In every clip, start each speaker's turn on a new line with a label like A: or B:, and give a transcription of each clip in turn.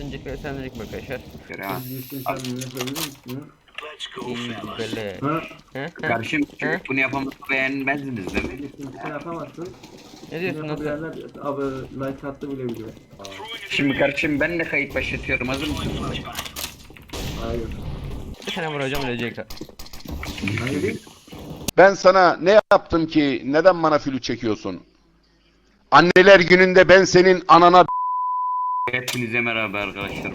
A: Öncelikle selamünaleyküm arkadaşlar.
B: Sen bunu yapabilir misin?
A: İyi böyle.
B: Ha?
C: Kardeşim
A: He?
C: bunu yapamazsa beğenmezdiniz değil mi?
B: Sen yapamazsın.
A: Ne
B: Bunu
A: diyorsun nasıl?
B: yapabilenler abi like attı bile biliyor.
C: Şimdi kardeşim ben de kayıt başlatıyorum, hazır mısın?
B: Hayır.
A: Bir tane vuracağım ölecek.
B: Hayır.
D: Ben sana ne yaptım ki neden bana flüt çekiyorsun? Anneler gününde ben senin anana
C: Hepinize merhaba arkadaşlar.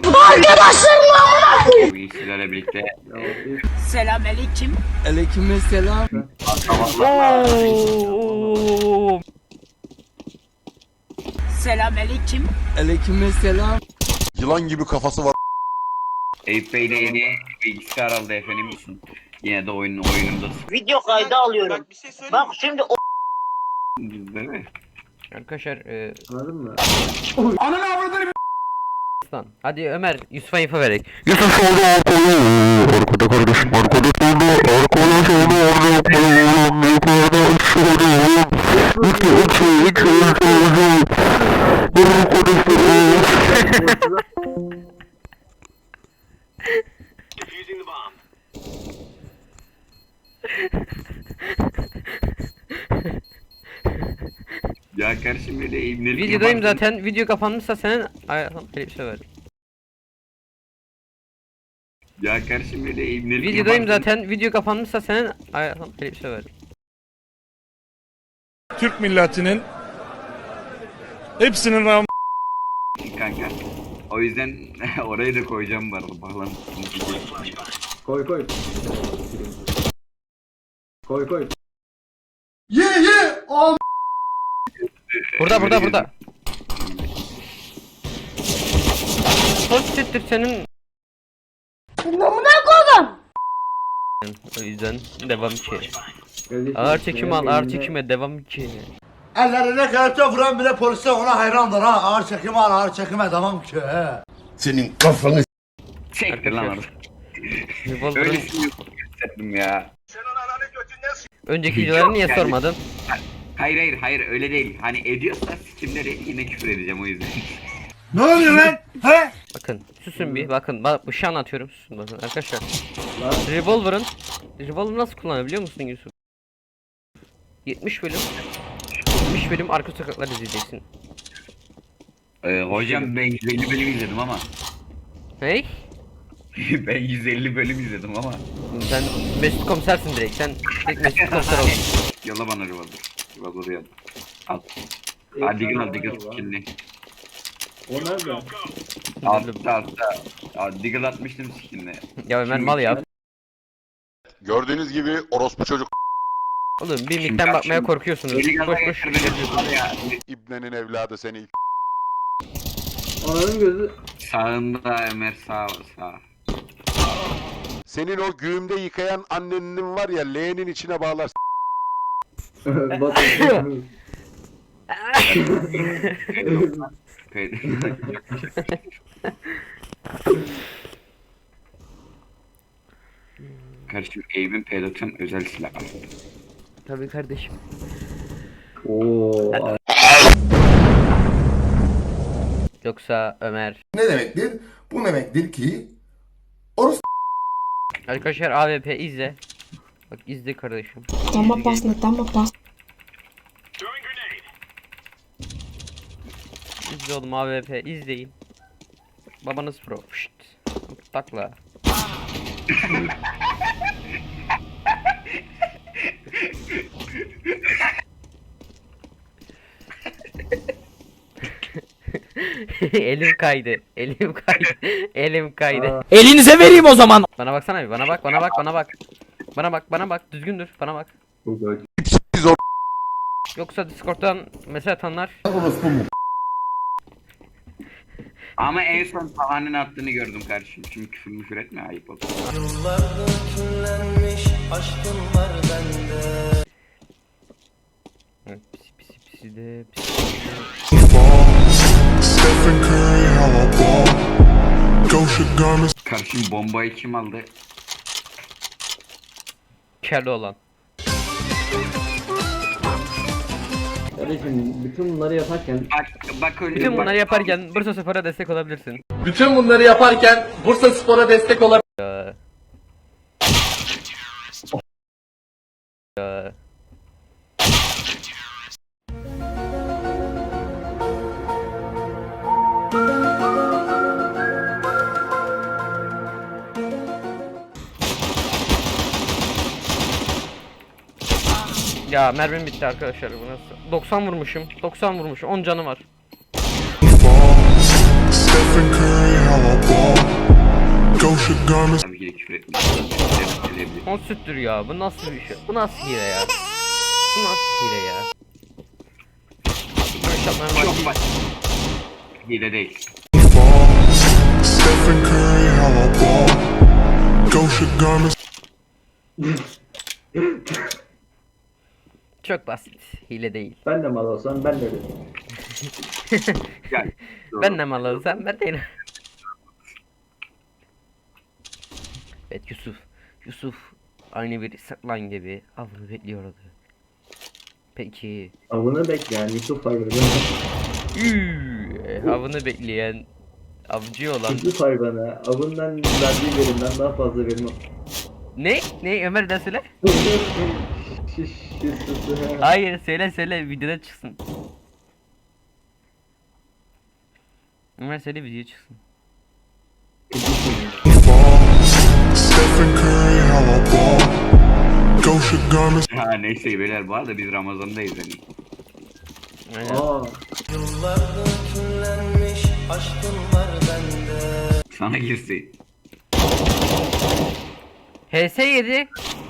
C: Bugün sizlerle birlikte
B: Ya,
E: Selamünaleyküm.
F: Aleykümselam.
A: Oo!
E: Selamünaleyküm.
F: Aleykümselam.
D: yılan gibi kafası var.
C: Eyüp Bey'le yeni bilgisayar aldı efendim. Yine de oyunundasın.
E: Video kaydı alıyorum. Bak şimdi o
C: Değil mi?
A: Arkadaşlar
B: anladın mı?
A: Aslan. Hadi Ömer Yusuf'a info verek. Yusuf oldu arkada kardeşim arkada oldu arkadaş oldu
C: Ya kardeşim böyle eğimleri
A: Videodayım zaten. Video kapanmışsa senin ayağım bir şey ver.
C: Ya kardeşim böyle eğimleri
A: Videodayım zaten. Video kapanmışsa senin ayağım bir şey ver.
G: Türk milletinin hepsinin
C: kanka. O yüzden orayı da koyacağım bu arada bağlantısını.
B: Koy koy. Koy koy.
A: Burada. Pozitiftir senin.
H: Namına koydum.
A: O yüzden devam ki.
B: Kardeşim,
A: Ağır çekim al,
B: eline-
A: ağır çekime devam ki.
I: Ellerine kelepçe vuran bile polise ona hayrandır ha. Ağır çekime al, ağır çekime devam ki.
D: Senin kafanı
C: Çektir lan orada.
A: Revolver'ın
C: Öylesini gösterdim ya.
A: önceki videoları niye
C: Yani-
A: sormadın?
C: Hayır öyle değil. Hani ediyorsa sikimleri yine küfür edeceğim o yüzden.
I: Ne oluyor lan? He?
A: Bakın, susun bir, bakın, bir şey anlatıyorum, susun bakın arkadaşlar.
B: Lan.
A: Revolver nasıl kullanıyor biliyor musun Yusuf? 70 bölüm arka sokaklar izleyeceksin.
C: Hocam ben 150 bölüm izledim ama.
A: Hey?
C: Ben 150 bölüm izledim ama.
A: Sen Mesut komisersin direkt, sen direkt Mesut komiser oldun.
C: Yolla bana revolver. Revolver'ı yolla. Al. Hadi gel skinli.
B: O nerede?
C: Altta. Diggle atmıştım skinli.
A: Ya Ömer mal ya.
D: gördüğünüz gibi orospu çocuk
A: Oğlum bir
C: Şimdi
A: mikten bakmaya
C: şimdi-
A: korkuyorsunuz.
C: Beni gaza
A: Boş
C: getir beni var ya.
D: ibnenin evladı seni.
B: Ananın gözü.
C: Sağında Ömer sağ.
D: Senin o güğümde yıkayan annenin var ya leğenin içine bağlar.
B: Batı.
C: Kardeşim Eyüp'ün P90 özel silah.
A: Tabii kardeşim.
B: Oo.
A: Yoksa Ömer.
I: Ne demektir? Bu demektir ki
A: Arkadaşlar AWP izle. Bak izle kardeşim.
H: Там опасно.
A: İzle oğlum AWP izleyin. Babanız pro. Şşt. Takla. Elim kaydı. Elim kaydı.
F: Elinize vereyim o zaman.
A: Bana baksana bir. Bana bak. Düzgün dur. Bana bak.
B: Çok acı.
A: Yoksa Discord'dan mesaj atanlar.
C: Ama en son Taha'nın attığını gördüm kardeşim. Şimdi küfür etme, ayıp oldu.
A: Evet, pisi de.
G: Stephen Curry how I ball. Gosha garments.
C: Kardeşim bombayı kim aldı?
A: Kelli olan.
B: Kardeşim bütün bunları yaparken
C: Bak öyle.
A: Bütün
C: bak-
A: bunları yaparken Bursa Spor'a destek olabilirsin.
F: Bütün bunları yaparken Bursa Spor'a destek olabilir.
A: Ya. Ya. Ya mermim bitti arkadaşlar, bu nasıl? 90 vurmuşum. 90 vurmuşum. 10 canı var.
G: Stephen Curry, how I ball. Gosha garments.
C: Tabii ki de küfür etmiş. Eleyebilir.
A: 10 süttür ya. Bu nasıl bir şey? Bu nasıl hile ya? Bu nasıl hile ya?
C: Çok bak. Hile değil.
G: Stephen Curry, how I ball. Gosha garments.
A: Çok basit. Hile değil.
B: ben de mal olsam ben de öyle.
C: Gel.
A: Ben de mal alsam ben de. Evet Yusuf. Yusuf aynı bir saklan gibi avını bekliyordu. Peki.
B: Avını bekleyen Yusuf hayvanı.
A: Avını bekleyen avcı olan.
B: Yusuf hayvanı avından verdiği verimden daha fazla verim.
A: Ne? Ne Ömer de söyle.
B: Yusuf.
A: Hayır söyle videoda çıksın. Ömer söyle video çıksın.
G: Stephen Curry, how I ball. Gosha garments.
C: Ha neyse beyler, bu arada biz Ramazan'dayız hani.
A: Aynen.
B: Aa,
C: Sana girsin.
A: HS7.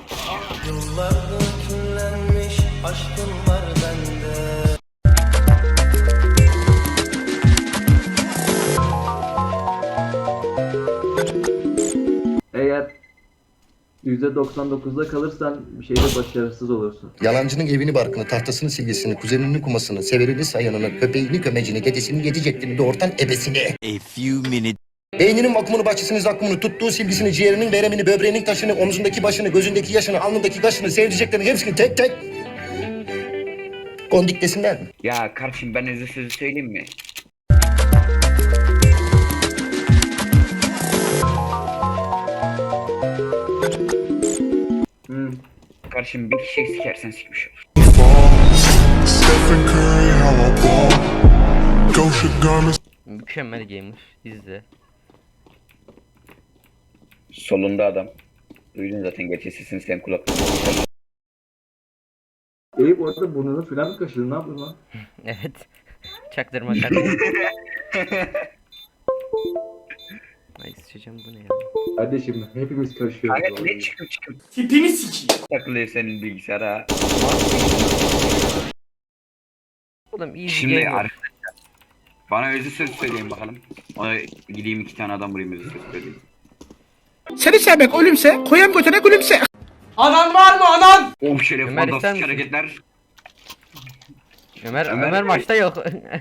B: eğer %99'da kalırsan bir şeyde başarısız olursun.
J: Yalancının evini barkını, tahtasını silgisini, kuzeninin kumasını, severini sayanını, köpeğini kömecini, dedesini yedi ceklini, doğurtan ebesini.
K: A few minutes.
J: Beyninin vakumunu, bahçesini, zakkumunu, tuttuğu silgisini, ciğerinin veremini, böbreğinin taşını, omzundaki başını, gözündeki yaşını, alnındaki kaşını, sevdiceklerini hepsini tek tek kondik desinler mi?
C: Ya kardeşim, ben size sözü söyleyeyim mi? Kardeşim bir kişi sikersen sikmiş olur.
G: Stephen Curry, how I ball. Gosha garments.
A: Mükemmel gamer. İzle.
C: Solunda adam. Duydun zaten gerçi sesini, sen kulaklarını.
B: Eyüp orada burnunu filan mı kaşıdın? Ne yapıyorsun lan?
A: Evet. Çaktırma kardeşim. Ay sıçacağım, bu ne ya?
B: Kardeşim hepimiz kaşıyoruz.
C: Kanka
B: vallahi.
C: ne çıkıp
F: Tipini sikeyim.
C: takılıyor senin bilgisayara.
A: Oğlum easy
C: Şimdi
A: gamer.
C: arkadaşlar, bana özü söz söyleyin bakalım. Ona gideyim 2 tane adam vurayım, özü söz söyleyeyim.
F: Seni sevmek ölümse, koyan götüne gülümse. Anan var mı anan?
C: Oh şeref,
A: Ömer, ister
C: fantastik
A: misin?
C: hareketler.
A: Ömer maçta yok.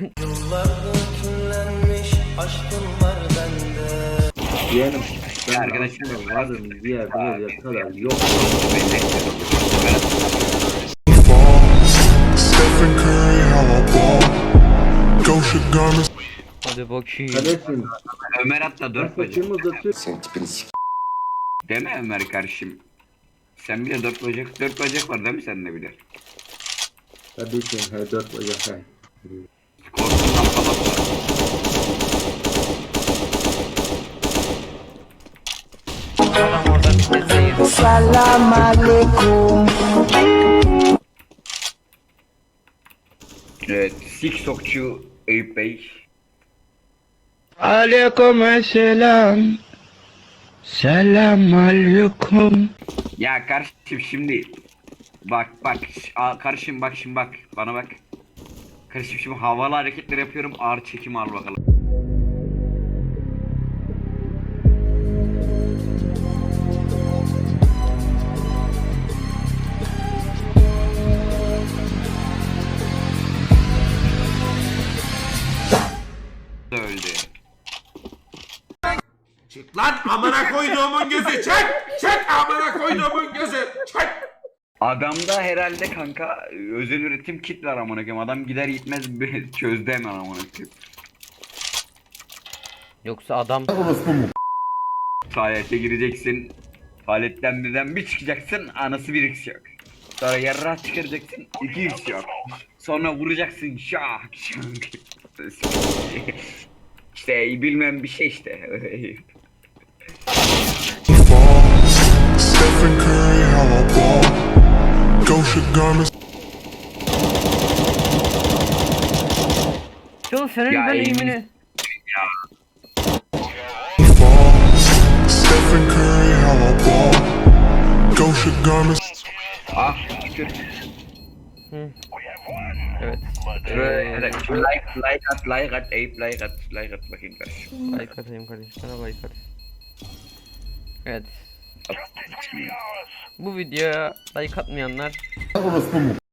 B: Yeğenim. Ben
C: Arkadaşlar,
B: aslında varım bir yerde oraya kadar yok.
G: Stephen Curry, how I ball. Gosha garments.
A: Hadi bakayım.
B: Kardeşim
C: Ömer hatta
B: ben
C: 4 bacak.
B: saçımı uzatıyorum.
J: Sen tipini sik.
C: Deme Ömer kardeşim. Sen bile 4 bacak, 4 bacak var değil mi sende bile?
B: Kardeşim he 4 bacak he.
C: Korkundan falan var.
A: Adam orada bir sesle
E: Selam aleyküm.
C: Evet, TikTokçu Eyüp Bey.
F: Aleykümselam. Selam aleyküm.
C: Ya kardeşim şimdi bak kardeşim bak şimdi bak bana bak. Kardeşim şimdi havalı hareketler yapıyorum, ağır çekim al bakalım. Öldü.
I: Çık lan amına koyduğumun gözü, çek! Çek amına koyduğumun gözü, çek!
C: Adamda herhalde kanka özel üretim kit var amına koyayım. Adam gider gitmez çözdü hemen amına koyayım.
A: Yoksa adam
C: Faaliyete gireceksin. Faaliyetten birden bir çıkacaksın, anası bir x yok. Sonra yarrağı çıkaracaksın, 2x yok. Sonra vuracaksın, şak şak. İşte bilmem bir şey işte.
G: Stephen Curry, how I ball. Gosha Garments.
A: Çoğu senin
C: Ya
A: ben
C: iyi.
A: eğimini.
G: Stephen Curry, how I ball. Gosha Garments.
C: Ah şükür.
A: Evet.
C: Like at, Eyüp like at bakayım kardeşim.
A: Like atayım kardeşim, sana like at. Evet. Bu videoya like atmayanlar